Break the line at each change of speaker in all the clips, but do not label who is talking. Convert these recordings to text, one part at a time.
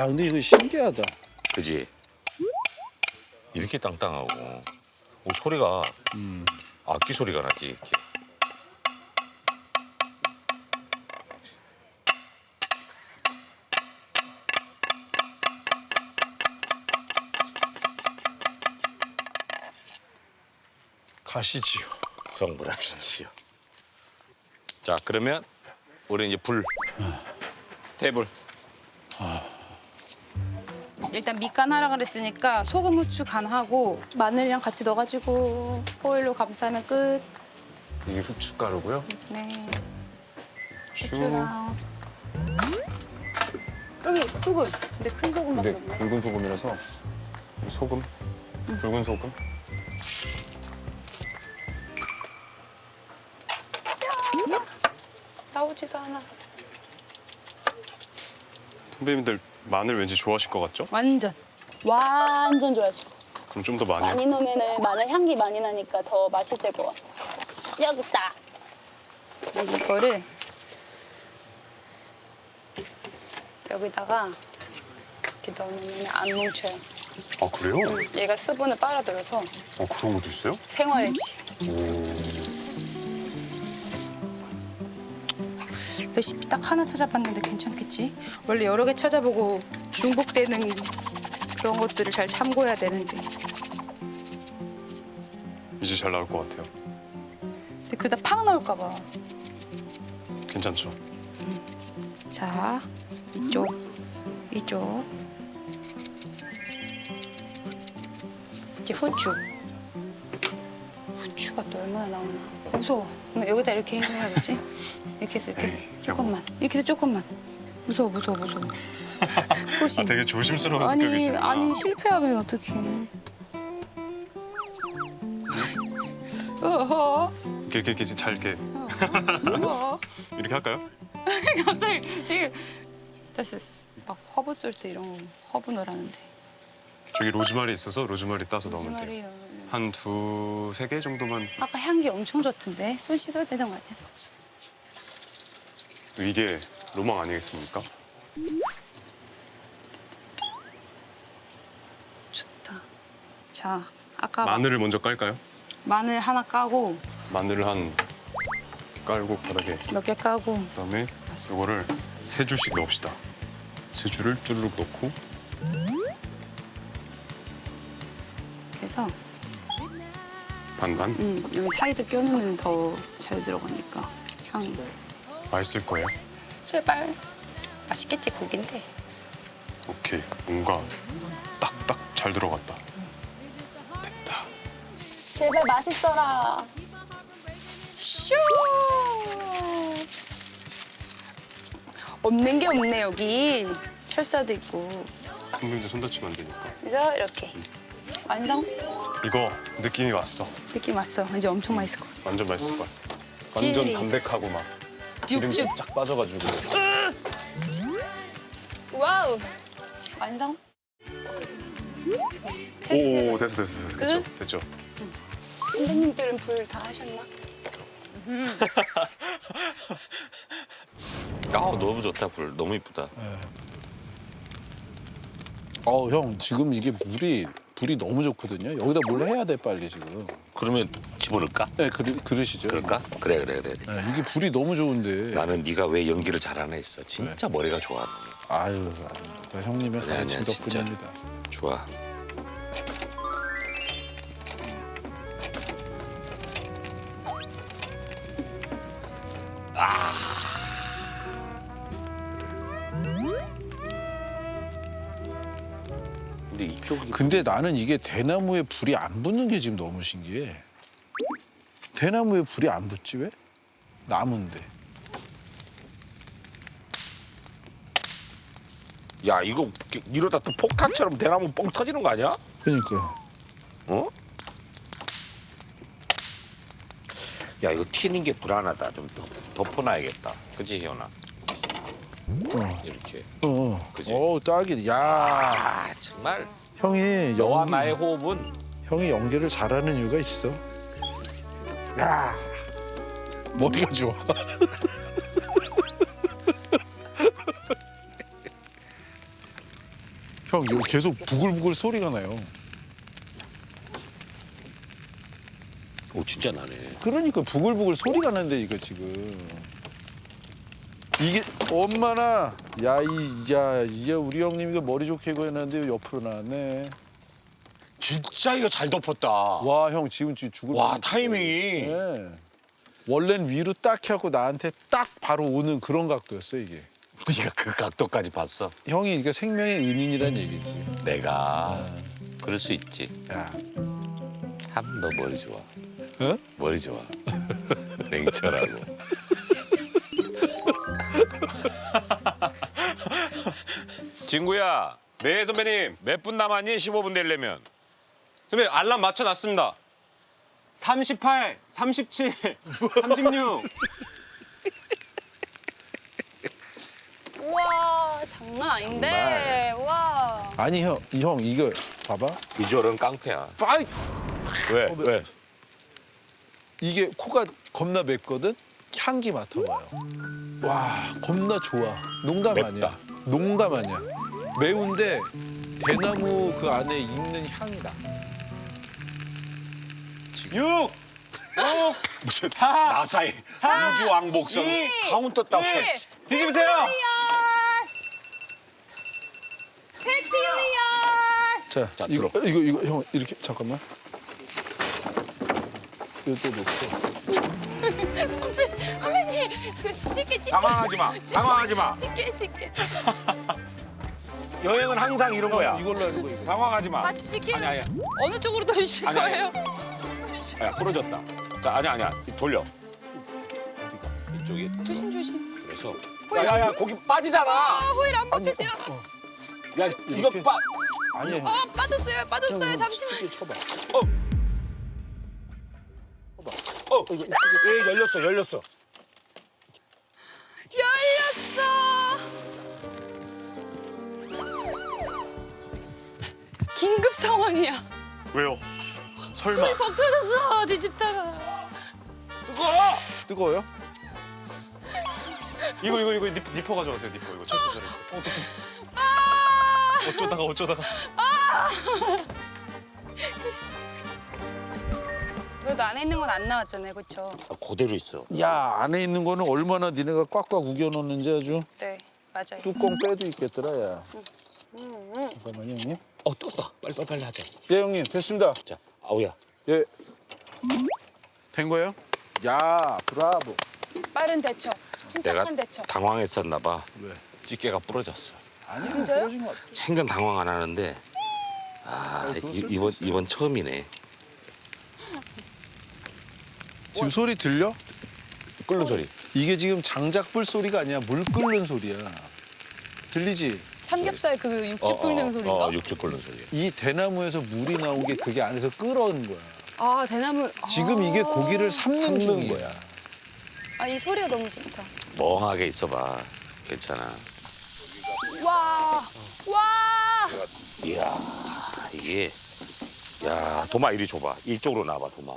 야, 근데 이거 신기하다.
그지? 이렇게 땅땅하고 소리가 악기 소리가 나지 이렇게.
가시지요.
성불하시지요. 자, 그러면 우리 이제 불. 테이블.
일단 밑간 하라 그랬으니까 소금, 후추 간하고 마늘이랑 같이 넣어가지고 포일로 감싸면 끝.
이게 후춧가루고요.
네.
후추.
후추랑 여기 소금. 근데 큰 소금밖에
근데
없네.
굵은 소금이라서 소금, 굵은 소금.
나오지도 않아.
선배님들 마늘 왠지 좋아하실 것 같죠?
완전.
완전 좋아하시고.
그럼 좀 더 많이.
많이 넣으면 마늘 향기 많이 나니까 더 맛있을 것 같아. 여기 있다.
이거를 여기다가 이렇게 넣어놓으면 안 뭉쳐요.
아 그래요?
얘가 수분을 빨아들여서
그런 것도 있어요?
생활지. 레시피 딱 하나 찾아봤는데 괜찮겠지? 원래 여러 개 찾아보고 중복되는 그런 것들을 잘 참고해야 되는데.
이제 잘 나올 것 같아요.
근데 그러다 팍 나올까 봐.
괜찮죠?
자, 이쪽, 이쪽. 이제 후추. 후추가 또 얼마나 나오나. 무서워. 그럼 여기다 이렇게 해야겠지? 이렇게 해서 이렇게 해서
에이,
조금만. 이렇게 해서 조금만. 무서워, 무서워, 무서워. 소심.
되게 조심스러운
아니,
성격이시구나.
아니 실패하면 어떡해. 어허.
이렇게 잘 이렇게
무서워.
이렇게 할까요?
갑자기 되게 다시 막 허브 솔트 이런 거 허브 넣으라는데.
저기 로즈마리 있어서 로즈마리 따서 넣으면 돼요.
로즈마리 넣으면.
한 두세 개 정도만.
아까 향기 엄청 좋던데 손 씻어야 되는 거 아니야?
또 이게 로망 아니겠습니까?
좋다. 자, 아까
마늘을 먼저 깔까요?
마늘 하나 까고
마늘을 한 깔고 바닥에.
몇 개 까고
그다음에 이거를 세 줄씩 넣읍시다. 세 줄을 쭈르륵 넣고.
해서
반반.
여기 사이드 껴놓으면 더 잘 들어가니까 향이.
맛있을 거예요.
제발. 맛있겠지 고긴데.
오케이. 뭔가 딱딱 잘 들어갔다. 됐다.
제발 맛있어라.
슈. 없는 게 없네 여기. 철사도 있고.
선배님들 손 다치면 안 되니까.
그래서 이렇게 완성.
이거 느낌이 왔어.
느낌 왔어. 이제 엄청 맛있을 것 같아.
완전 맛있을 것 같아. 완전
필리.
담백하고 막 기름기
육즙.
쫙 빠져가지고.
와우. 완성.
오 됐어.
끝?
됐죠.
선생님들은 불 다 하셨나?
너무 좋다 불. 너무 이쁘다.
형, 지금 이게 불이 너무 좋거든요. 여기다 뭘 해야 돼, 빨리 지금.
그러면 집어넣을까?
네, 그러시죠.
그럴까? 그래.
네, 이게 불이 너무 좋은데.
나는 네가 왜 연기를 잘하나 했어. 진짜 머리가 좋아.
아유, 아닙니다. 형님의
아니야,
가르침
진짜.
덕분입니다.
좋아. 근데 이쪽이
근데 나는 이게 대나무에 불이 안 붙는 게 지금 너무 신기해. 대나무에 불이 안 붙지 왜? 나무인데.
야 이거 이러다 또 폭탄처럼 대나무 뻥 터지는 거 아니야?
그러니까.
어? 야 이거 튀는 게 불안하다. 좀 덮어놔야겠다. 그치 희연아? 이렇게. 그치?
딱이네. 야,
아 정말
형이
너와 나의 호흡은
형이 연기를 잘하는 이유가 있어. 야, 머리가 좋아. 형 여기 계속 부글부글 소리가 나요.
오 진짜 나네.
그러니까 부글부글 소리가 나는데 이거 지금. 이게 엄마나 이제 우리 형님 이거 머리 좋게 구해놨는데 옆으로 나왔네.
진짜 이거 잘 덮었다.
와 형 지금 죽을
와
뻔했어.
타이밍이.
네. 원래는 위로 딱 하고 나한테 딱 바로 오는 그런 각도였어 이게.
네가 그 각도까지 봤어.
형이 이게 생명의 은인이란 얘기지.
내가 그럴 수 있지.
야,
참 너 머리 좋아.
어?
머리 좋아. 냉철하고. 진구야,
네 선배님.
몇 분 남았니? 15분 되려면.
선배 알람 맞춰놨습니다. 38, 37, 36.
우와 장난 아닌데. 우와.
아니 형 이거 봐봐.
비주얼은 깡패야.
빠이!
왜? 왜?
이게 코가 겁나 맵거든. 향기 맡아봐요. 와 겁나 좋아. 농담
맵다.
아니야. 농담 아니야. 매운데 대나무 그 안에 있는 향이 나.
6, 5,
무슨
4,
나사의 우주 왕복선
이,
카운터 따고.
뒤집으세요.
자,
자,
이거
들어.
이거 형 이렇게 잠깐만. 이거 또 놓고.
선배님 찍게.
당황하지 마. 당황하지 마.
찍게.
여행은 항상 이런 거야.
이걸로 하는 거 이거.
당황하지 마.
같이 찍게.
아니야.
어느 쪽으로 돌리실
아니야,
거예요?
야, 부러졌다. 자, 아니야. 돌려. 이쪽이.
조심.
그래서. 야야야, 거기 빠지잖아.
호일 안 벗겨져.
야, 이거 빠.
아니야. 형.
빠졌어요. 잠시만.
이렇게 쳐봐.
예, 열렸어.
열렸어. 긴급 상황이야.
왜요? 설마.
벗겨졌어. 뒤집다가.
뜨거워요?
이거 니퍼 가져가세요. 니퍼 이거 철수자리. 어떡해. 어쩌다가.
그래도 안에 있는 건 안 나왔잖아요, 그렇죠?
그대로 있어.
야 안에 있는 거는 얼마나 니네가 꽉꽉 우겨놓는지 아주
네, 맞아요.
뚜껑 빼도 있겠더라 야. 잠깐만요 형님.
뜨겁다. 빨리 하자.
예 형님 됐습니다.
자, 아우야.
예. 된 거예요? 야 브라보.
빠른 대처,
내가
침착한 대처.
당황했었나 봐.
왜?
집게가 부러졌어.
아니야
진짜요?
떨어진 것 같아.
생전 당황 안 하는데
그거 쓸수
이번 처음이네.
지금 소리 들려?
끓는 소리.
이게 지금 장작불 소리가 아니야 물 끓는 소리야. 들리지?
삼겹살 그 육즙 끓는 소리인가?
육즙 끓는 소리.
이 대나무에서 물이 나온 게 그게 안에서 끓어온 거야.
아, 대나무.
지금 이게 고기를 삶는 중이야.
거야.
아, 이 소리가 너무 좋다.
멍하게 있어봐. 괜찮아.
와,
이야 이게 야 도마 이리 줘봐. 이쪽으로 나와봐 도마.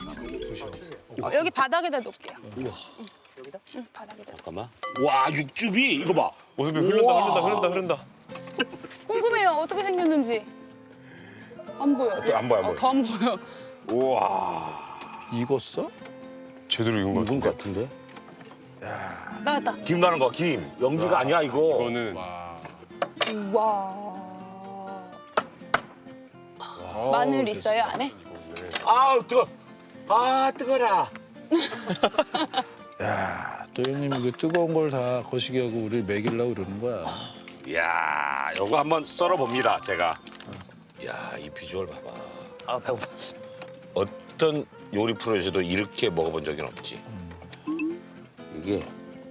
여기 바닥에다 놓을게요. 여기다? 응, 바닥에다.
잠깐만. 와 육즙이 이거 봐.
선배 흐른다.
궁금해요. 어떻게 생겼는지. 안 보여.
안 보여.
더 안 보여.
우와.
익었어?
제대로 익은 것
익은
같은데.
것 같은데?
나왔다.
김 나는 거 김. 연기가 아니야 이거.
이거는
와. 마늘 있어요 안에?
아우 뜨거. 아 뜨거라.
야, 또 형님 이거 뜨거운 걸 다 거시기 하고 우리를 먹이려고 그러는 거야.
이야 요거 한번 썰어 봅니다 제가. 이야 이 비주얼 봐봐. 아 배고파. 어떤 요리 프로에서도 이렇게 먹어본 적은 없지. 이게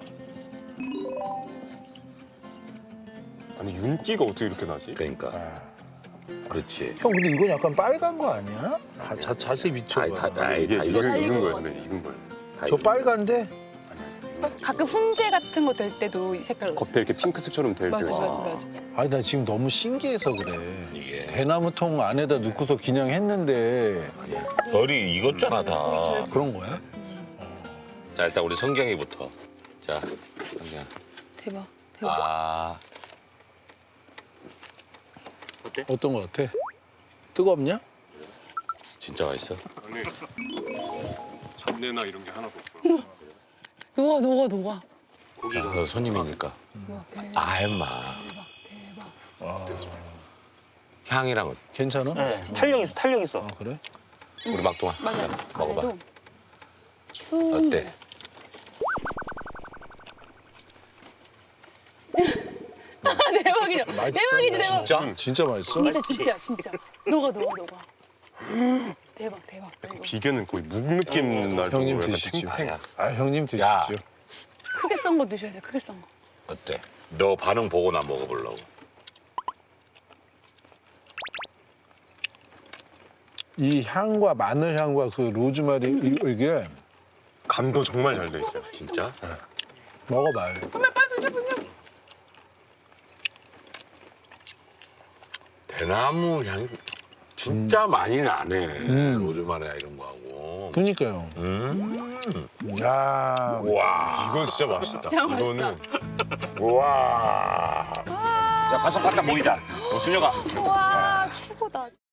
아니 윤기가 어떻게 이렇게 나지?
그러니까. 그렇지.
형 근데 이건 약간 빨간 거 아니야? 자세히 비춰봐.
이게
다
익은
익었어.
거예요, 선배. 익은 거예요.
저 빨간데?
가끔 훈제 같은 거 될 때도 이 색깔로.
겉에 이렇게 핑크색처럼 될
맞아,
때가
맞아, 맞아.
아니 나 지금 너무 신기해서 그래.
이게
대나무통 안에다 넣고서 그냥 했는데
별이 익었잖아 다.
그런 거야?
자 일단 우리 성경이부터. 자 성경.
대박, 대박.
아.
어떤 거 같아? 뜨겁냐?
진짜 맛있어?
안에 잡내나 이런 게 하나도 없고.
녹아.
너 손님이니까. 아, 임마. 향이랑
괜찮아?
탄력 있어.
아, 그래?
우리 막동아.
맞아.
먹어봐.
안에도 추.
어때?
대박이죠. 대박이지 대박.
진짜?
진짜 맛있어?
진짜. 녹아. 대박. 이거.
비계는 거의 묵 느낌 날 정도로
형님
약간
드시죠.
탱탱.
아, 형님 드시죠.
야.
크게 썬 거 드셔야 돼. 크게 썬 거.
어때? 너 반응 보고 나 먹어보려고.
이 향과 마늘 향과 그 로즈마리 이게
간도 정말 잘 돼 있어요.
진짜?
먹어봐요.
대나무 향이 진짜 많이 나네. 로즈마리나 이런 거하고.
그니까요. 야,
와.
이건 진짜 맛있다. 이거는
와. 야, 바삭바삭 보이자. 순혁아.
와 최고다.